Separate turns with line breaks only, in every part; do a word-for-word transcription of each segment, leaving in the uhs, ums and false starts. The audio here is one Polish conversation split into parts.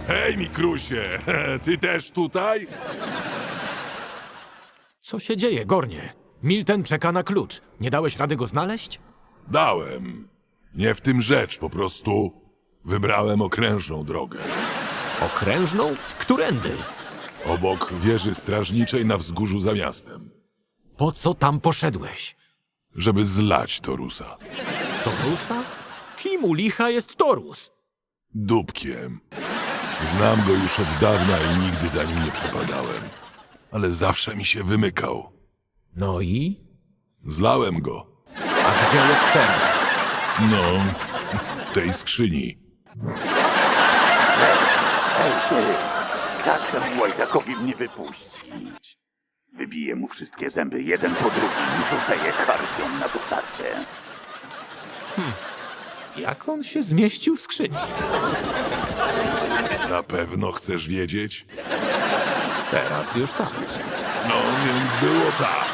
Hej, Mikrusie, ty też tutaj?
Co się dzieje, Gornie? Milten czeka na klucz. Nie dałeś rady go znaleźć?
Dałem. Nie w tym rzecz, po prostu wybrałem okrężną drogę.
Okrężną? Którędy?
Obok wieży strażniczej na wzgórzu za miastem,
Po co tam poszedłeś?
żeby zlać Torusa.
Torusa? Kim u licha jest Torus?
Dupkiem. Znam go już od dawna i nigdy za nim nie przepadałem. Ale zawsze mi się wymykał.
No i?
Zlałem go.
A gdzie jest teraz?
No, w tej skrzyni.
Ej, ty! Każ temu łajdakowi mnie wypuścić. Wybiję mu wszystkie zęby jeden po drugim i rzucę je harpią na dosarcie.
Jak on się zmieścił w skrzyni?
Na pewno chcesz wiedzieć?
Teraz już tak.
No, więc było tak.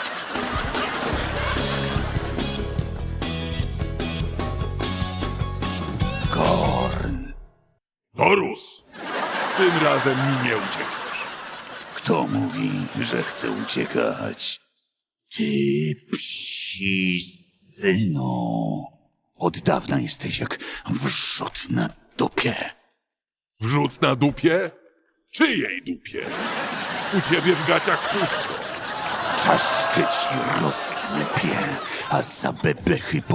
Gorn!
Torus! Tym razem mi nie uciekniesz.
Kto mówi, że chce uciekać? Ty, psi synu! Od dawna jesteś jak wrzut na dupie.
Wrzut na dupie? Czyjej dupie? U ciebie w gaciach pusto.
Czaszkę ci rozlepię, a za bebechy